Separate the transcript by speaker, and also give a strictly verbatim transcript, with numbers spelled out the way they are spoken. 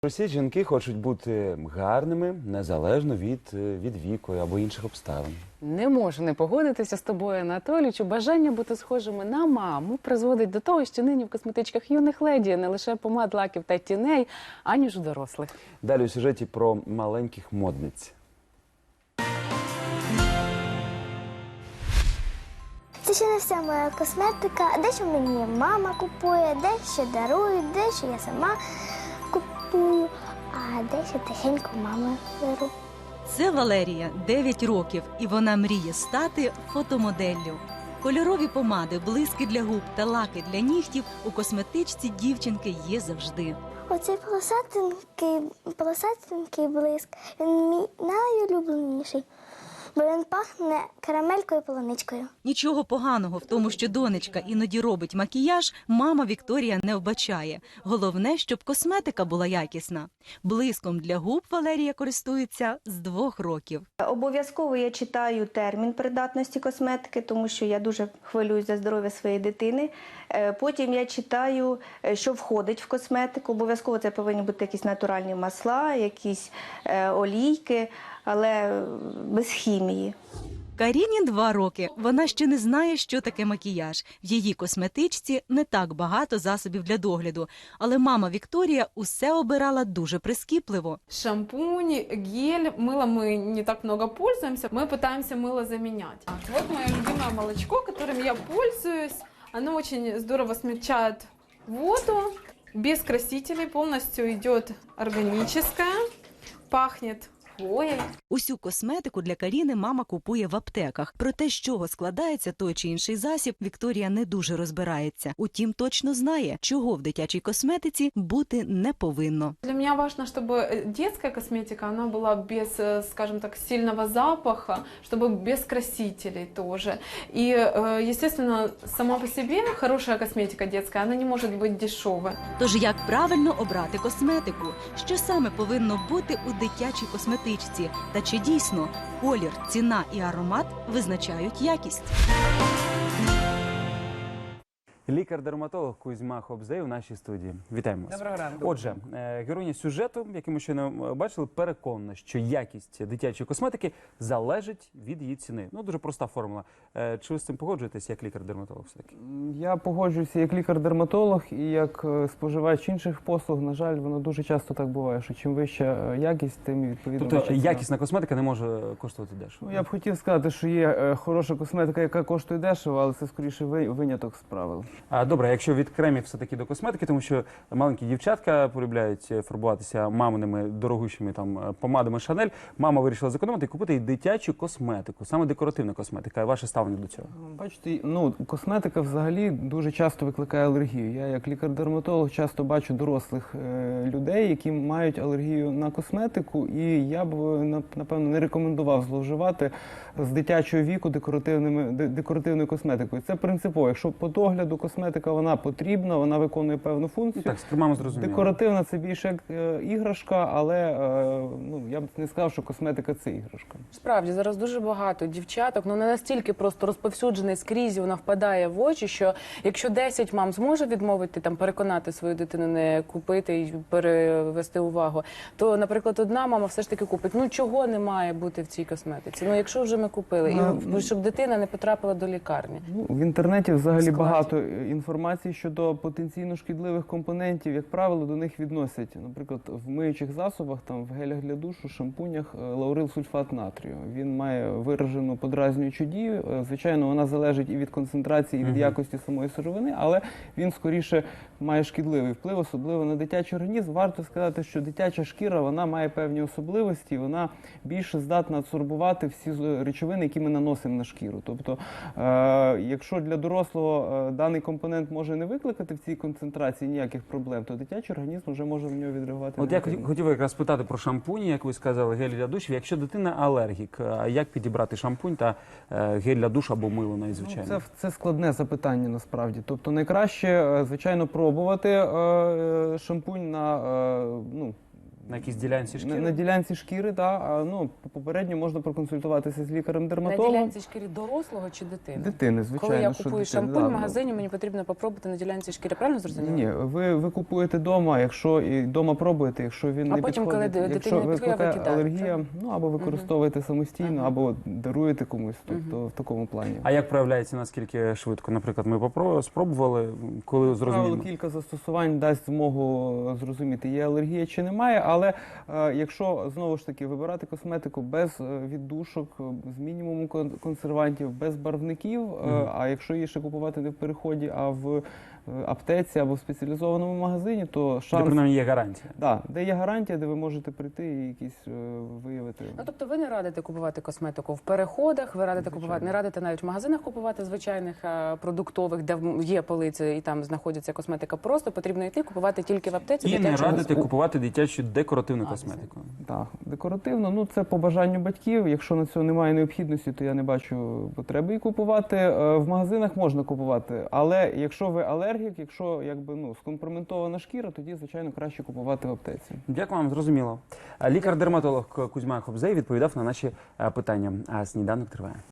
Speaker 1: Всі жінки хочуть бути гарними, незалежно від, від віку або інших обставин.
Speaker 2: Не можу не погодитися з тобою, Анатолійчу. Бажання бути схожими на маму призводить до того, що нині в косметичках юних леді не лише помад, лаків та тіней, аніж у дорослих.
Speaker 1: Далі у сюжеті про маленьких модниць.
Speaker 3: Це ще не вся моя косметика. Дещо мені мама купує, дещо дарують, дещо я сама купую, а дещо тихенько мама беру.
Speaker 4: Це Валерія, дев'ять років, і вона мріє стати фотомоделлю. Кольорові помади, блиски для губ та лаки для нігтів у косметичці дівчинки є завжди.
Speaker 3: Оцей полосатенький, полосатенький блиск, він мій найулюбленіший, бо він пахне карамелькою і полуничкою.
Speaker 4: Нічого поганого в тому, що донечка іноді робить макіяж, мама Вікторія не вбачає. Головне, щоб косметика була якісна. Блиском для губ Валерія користується з двох років.
Speaker 5: Обов'язково я читаю термін придатності косметики, тому що я дуже хвилююсь за здоров'я своєї дитини. Потім я читаю, що входить в косметику. Обов'язково це повинні бути якісь натуральні масла, якісь олійки, але без хімії.
Speaker 4: Каріні два роки. Вона ще не знає, що таке макіяж. В її косметичці не так багато засобів для догляду. Але мама Вікторія усе обирала дуже прискіпливо.
Speaker 6: Шампунь, гель, мыло мы не так много пользуемся. Мы пытаемся мыло заменять. Вот мое любимое молочко, которым я пользуюсь. Оно очень здорово смягчает воду, без красителей, полностью идет органическое, пахнет хвоей.
Speaker 4: Усю косметику для Каріни мама купує в аптеках. Про те, з чого складається той чи інший засіб, Вікторія не дуже розбирається. Утім, точно знає, чого в дитячій косметиці бути не повинно.
Speaker 6: Для меня важно, чтобы детская косметика, она была без, скажем так, сильного запаха, чтобы без красителей тоже. И, естественно, сама по себе хорошая косметика детская, она не может быть дешевой.
Speaker 4: Тож як правильно обрати косметику? Що саме повинно бути у дитячій косметичці? Та чи дійсно колір, ціна і аромат визначають якість?
Speaker 1: Лікар-дерматолог Кузьма Хобзей у нашій студії. Вітаємо вас.
Speaker 2: Доброго ранку.
Speaker 1: Отже, героїня сюжету, який ми щойно бачили, переконана, що якість дитячої косметики залежить від її ціни. Ну, дуже проста формула. Чи ви з цим погоджуєтесь як лікар-дерматолог все-таки?
Speaker 7: Я погоджуюся як лікар-дерматолог і як споживач інших послуг. На жаль, воно дуже часто так буває, що чим вища якість, тим відповідно
Speaker 1: Тобто
Speaker 7: вища ціна.
Speaker 1: якісна косметика не може коштувати дешево?
Speaker 7: Ну, я б хотів сказати, що є хороша косметика, яка коштує дешево, але це скоріше виняток з правил.
Speaker 1: А, добре, якщо від кремів все-таки до косметики, тому що маленькі дівчатка полюбляють фарбуватися маминими дорогущими там помадами Шанель, мама вирішила зекономити і купити дитячу косметику, саме декоративна косметика. Ваше ставлення до цього?
Speaker 7: Бачите, ну, косметика взагалі дуже часто викликає алергію. Я як лікар-дерматолог часто бачу дорослих е, людей, які мають алергію на косметику, і я б, напевно, не рекомендував зловживати з дитячого віку декоративними, декоративною косметикою. Це принципово. Якщо по догляду косметика вона потрібна, вона виконує певну функцію.
Speaker 1: Так, з кремами зрозуміло.
Speaker 7: Декоративна – це більше як е, іграшка, але е, ну, я б не сказав, що косметика – це іграшка.
Speaker 2: Справді, зараз дуже багато дівчаток, ну не настільки просто розповсюджений скрізь, вона впадає в очі, що якщо десять мам зможе відмовити, там, переконати свою дитину не купити і перевести увагу, то, наприклад, одна мама все ж таки купить. Ну, чого не має бути в цій косметиці? Ну, якщо вже ми купили, і щоб дитина не потрапила до лікарні.
Speaker 7: Ну, в інтернеті взагалі
Speaker 2: Складі.
Speaker 7: багато інформації щодо потенційно шкідливих компонентів. Як правило, до них відносять, наприклад, в миючих засобах, там, в гелях для душу, шампунях лаурилсульфат натрію. Він має виражену подразнюючу дію. Звичайно, вона залежить і від концентрації, і від якості самої сировини, але він скоріше має шкідливий вплив, особливо на дитячий організм. Варто сказати, що дитяча шкіра, вона має певні особливості, вона більше здатна адсорбувати всі речовини, які ми наносимо на шкіру. Тобто, е якщо для дорослого е даний компонент може не викликати в цій концентрації ніяких проблем, то дитячий організм вже може в нього відреагувати.
Speaker 1: От я хотів якраз питати про шампуні, як ви сказали, гель для душу. Якщо дитина алергік, як підібрати шампунь та гель для душу або мило найзвичайно?
Speaker 7: Ну, це, це складне запитання насправді. Тобто найкраще, звичайно, пробувати е шампунь на, е ну,
Speaker 1: На якійсь ділянці
Speaker 7: На,
Speaker 1: шкіри?
Speaker 7: на ділянці шкіри, так, а, ну, попередньо можна проконсультуватися з
Speaker 2: На
Speaker 7: лікарем-дерматологом.
Speaker 2: ділянці шкіри дорослого чи дитини?
Speaker 7: Дитини, звичайно.
Speaker 2: Коли я
Speaker 7: що
Speaker 2: купую
Speaker 7: дитини,
Speaker 2: шампунь
Speaker 7: да,
Speaker 2: в
Speaker 7: ну.
Speaker 2: магазині, мені потрібно попробувати на ділянці шкіри. Правильно зрозуміла?
Speaker 7: Ні, ви, ви купуєте вдома, якщо і вдома пробуєте, якщо він
Speaker 2: А
Speaker 7: не
Speaker 2: потім, коли
Speaker 7: підходить,
Speaker 2: дитині
Speaker 7: якщо
Speaker 2: не підходить,
Speaker 7: викликає
Speaker 2: викидаєте,
Speaker 7: алергія, ну або використовуєте самостійно,
Speaker 2: Ага.
Speaker 7: або даруєте комусь, тобто в такому плані.
Speaker 1: А як проявляється, наскільки швидко? Наприклад, ми попро- спробували, коли
Speaker 7: Правило,
Speaker 1: зрозуміємо?
Speaker 7: кілька застосувань дасть змогу зрозуміти, є алергія чи немає, але е, якщо, знову ж таки, вибирати косметику без е, віддушок, е, з мінімумом кон- консервантів, без барвників, е,
Speaker 1: Мгм.
Speaker 7: а якщо її ще купувати не в переході, а в е, аптеці або в спеціалізованому магазині, то
Speaker 1: Де,
Speaker 7: шанс...
Speaker 1: принаймні, є гарантія.
Speaker 7: Да, де є гарантія, де ви можете прийти і якісь е, виявити.
Speaker 2: Ну, тобто ви не радите купувати косметику в переходах, ви радите
Speaker 7: Звичайно.
Speaker 2: купувати, не радите навіть в магазинах купувати звичайних а, продуктових, де в- є полиці і там знаходиться косметика. Просто потрібно йти купувати тільки в аптеці.
Speaker 1: І не
Speaker 2: дитячу
Speaker 1: радите
Speaker 2: косметику.
Speaker 1: купувати дитячу декоративну
Speaker 2: А,
Speaker 1: косметику.
Speaker 7: Так, декоративно, ну це по бажанню батьків. Якщо на цього немає необхідності, то я не бачу потреби її купувати. Е, В магазинах можна купувати, але якщо ви алергік, якщо якби ну скомпроментована шкіра, тоді звичайно краще купувати в аптеці.
Speaker 1: Дякую вам, зрозуміло. Лікар-дерматолог Кузьма Хобзей відповідав на наші е, питання. А сніданок триває.